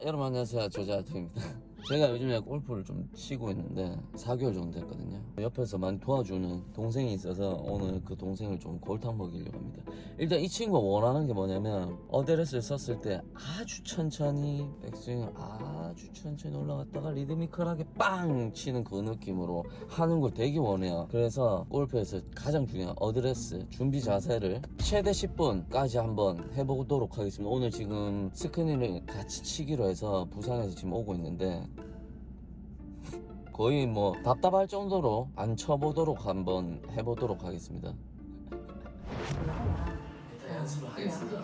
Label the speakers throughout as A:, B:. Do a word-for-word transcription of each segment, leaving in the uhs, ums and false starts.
A: 여러분 안녕하세요, 조자투입니다. 제가 요즘에 골프를 좀 치고 있는데 사 개월 정도 됐거든요. 옆에서 많이 도와주는 동생이 있어서 오늘 그 동생을 좀 골탕 먹이려고 합니다. 일단 이 친구가 원하는 게 뭐냐면 어드레스를 썼을 때 아주 천천히 백스윙을 아주 천천히 올라갔다가 리드미컬하게 빵 치는 그 느낌으로 하는 걸 되게 원해요. 그래서 골프에서 가장 중요한 어드레스 준비 자세를 최대 십 분까지 한번 해보도록 하겠습니다. 오늘 지금 스크린을 같이 치기로 해서 부산에서 지금 오고 있는데 거의 뭐 답답할 정도로 안 쳐보도록 한번 해보도록 하겠습니다. 일단 연습을 하겠습니다.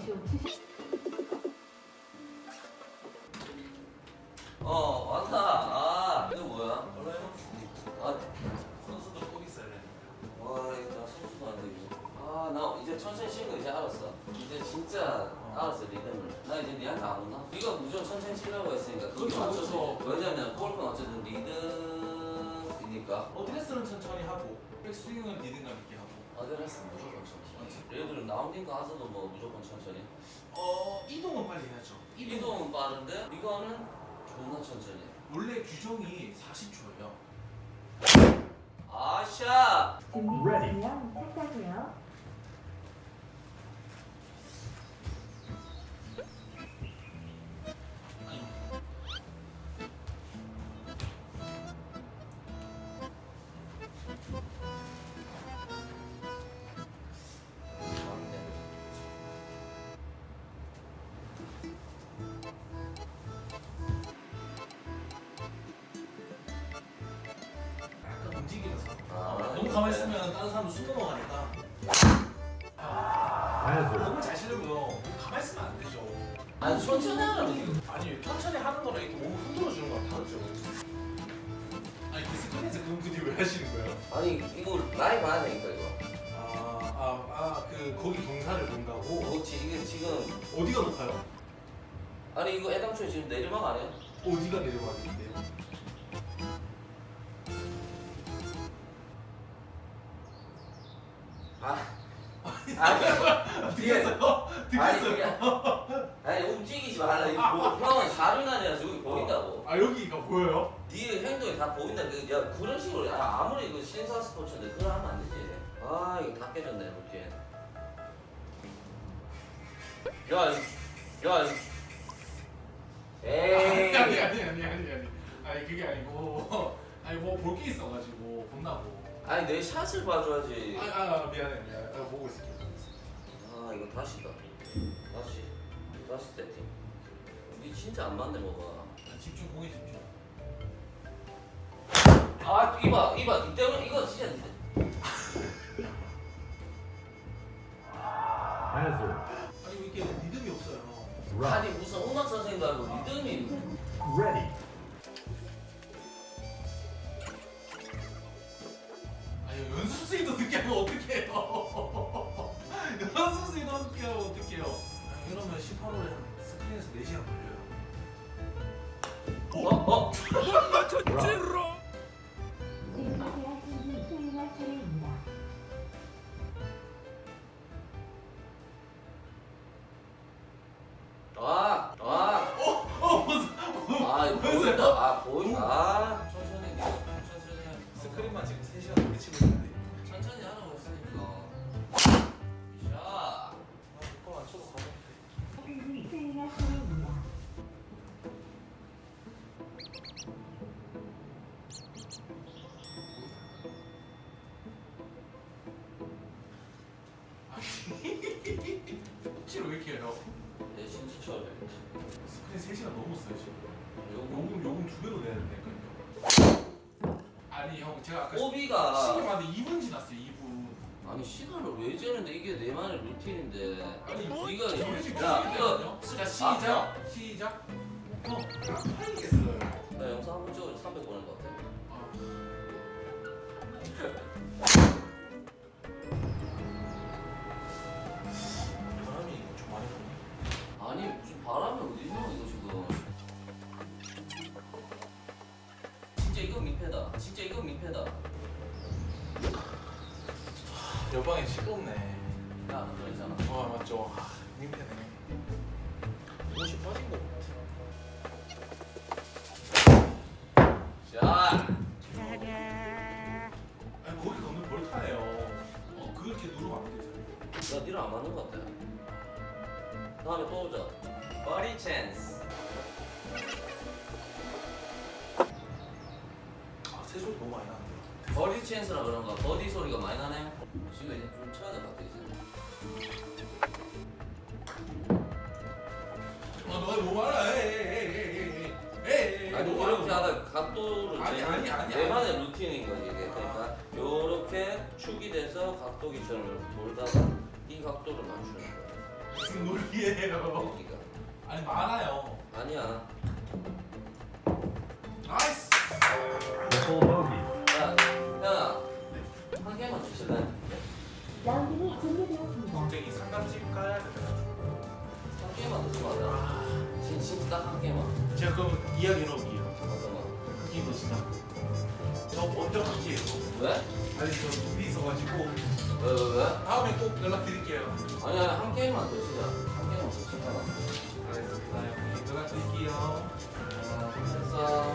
A: 어 왔다. 아 이거 뭐야? 원래 아 선수도 꼭 있어야 돼. 와 이거 선수도 안 되고. 아 나 이제 천천히 치는 거 이제 알았어. 이제 진짜 알았어 리듬을. 나 이제 니한테 안 온다. 네가 무조건 천천히 치려고 했으니까 그게
B: 그렇죠,
A: 맞춰서.
B: 그렇죠.
A: 왜냐면 골프는 어쨌든 리듬이니까.
B: 어드레스는 천천히 하고 백스윙은 리듬감 있게 하고.
A: 어드레스 무조건 천천히. 예를 들어 라운딩 가서도 뭐 무조건 천천히.
B: 어 이동은 빨리 해야죠.
A: 이동은 빠른데 이거는 존나 천천히.
B: 원래 규정이 사십 초예요.
A: 아샤.
C: 준비되시면 시작하세요.
B: 아니. 약간 움직이면서.
A: 아,
B: 너무 가만히 있으면 다른 사람도 숨 넘어가니까. 너무 잘 치려고요. 가만히 있으면 안 되죠.
A: 아니 천천히 하라고.
B: 아니 천천히 하는 거랑 이렇게 몸을 흔들어 주는 거랑 다르죠. 아니 그 스크린에서 그런 분이 왜 하시는 거예요?
A: 아니 이거 라이브 봐야 되니까 이거.
B: 아아아그 거기 경사를 본다고?
A: 그렇지 이게 지금
B: 어디가 높아요?
A: 아니 이거 애당초에 지금 내리막 아니야?
B: 어디가 내려가는데요?
A: 아 아니
B: 듣겠어요?
A: 아니
B: 듣겠어요?
A: 그게 아니 움직이지 말라 이거 보- 형은 사륜아니라 저기 보인다고.
B: 아 여기가 보여요?
A: 네 행동이 다 보인다. 그, 야 그런 식으로 야, 아무리 그 신사 스포츠인데 그걸 하면 안 되지. 아 이거 다 깨졌네 이렇게. 야, 이- 야, 이- 에이.
B: 아니 아니 아니 아니 아니 아니 그게 아니고 아니 뭐 볼 게 있어가지고 본다고.
A: 아니 내 샷을 봐줘야지.
B: 아, 아 미안해 미안해 아, 보고 있을게.
A: 아 이거 다시다. 다시, 다시 세팅. 니 진짜 안 맞네 뭐가.
B: 아, 집중 공에 집중.
A: 아 이봐, 이봐. 니 때문에 이거 진짜.
B: 아니 왜 이렇게 리듬이 없어요?
A: 아니 무슨 음악 선생님도 알고 리듬이.
D: Ready.
B: 아니 연습생도 늦게 하면 어떡해요? 연습생도 늦게 하면 어떡해요? 아니, 이러면 십팔 홀에 스크린에서 네 시간 걸려요.
A: 어, 어.
C: 준비되었으니 수행할 차례입니다.
A: 아, 아,
B: 어 무슨
A: 아 이거 보인다. 아 보인다. 아 천천히, 천천히. 해.
B: 스크린만 지금 세 시간 넘게 치고 있는데.
A: 천천히 하라고 했으니까. 샷.
B: 아, 이거 안 쳐도 가는데.
C: 준비 수행할 차례입니다.
B: 혹시로 왜 이렇게 해요?
A: 내 신지철.
B: 스크린 세 시간 넘었어요 지금.
A: 요거
B: 요금 요금 두 배로 내야 된다니까요. 아니 형 제가 아까
A: 오비가
B: 시계 봤는데 이 분 지났어요 이 분.
A: 아니 시간을 왜 재는데 이게 내만의 루틴인데.
B: 아니
A: 네가
B: 저희 집
A: 야 이거
B: 자 시작 시작. 형 팔리겠어요.
A: 나 영상 한 번 찍어서 삼백 보낼 것 같아.
B: 바람이 좀 많이 부네.
A: 아니 무슨 바람이 어디 있노 이거 지금. 진짜 이건 민폐다. 진짜 이건 민폐다.
B: 옆방이 시끄럽네.
A: 야너 그러잖아.
B: 아 맞죠. 아, 민폐네. 옷이 빠진 거 같아.
A: 길을 안 맞는 것 같아. 다음에 또 오자. 버디 찬스.
B: 아, 새소리 너무 많이 나는데요.
A: 버디 찬스라 그런가? 버디 소리가 많이 나네. 지금 이제 좀 쳐야 될 것 같아 이제.
B: 아, 너가 너무 많아. 에이, 에이, 에이, 에이, 에이, 에이.
A: 아니
B: 너무
A: 이렇게
B: 많아.
A: 하다 각도를
B: 아니,
A: 재는
B: 아니, 아니,
A: 내만의 루틴인 거지 이게. 그러니까 요렇게 축이 돼서 각도기처럼 돌다가 이 각도를 맞추는 거야.
B: 무슨 놀이에요?
A: 여기가.
B: 아니, 많아요.
A: 아니야.
B: 나이스.
A: 야, 야, 한 개만 주실래?
C: 라운딩이 종료되었습니다.
B: 갑자기 상가집 가야 돼가지고.
A: 한 개만 더 주면 안 돼? 진, 진짜 딱 한 개만.
B: 제가 그럼 이야기 해놓을게요.
A: 어떤 거?
B: 그게 것이다. 저 먼저 갈게요.
A: 왜?
B: 아니, 저 일이 있어가지고.
A: 왜, 왜, 왜?
B: 다음에 꼭 연락드릴게요.
A: 아니, 아니, 한 개만 더 치자. 한 개만 더 치자.
B: 알겠습니다. 형님, 연락드릴게요.
A: 아, 됐어.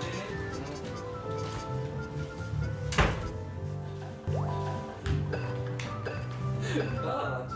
A: 응. 아,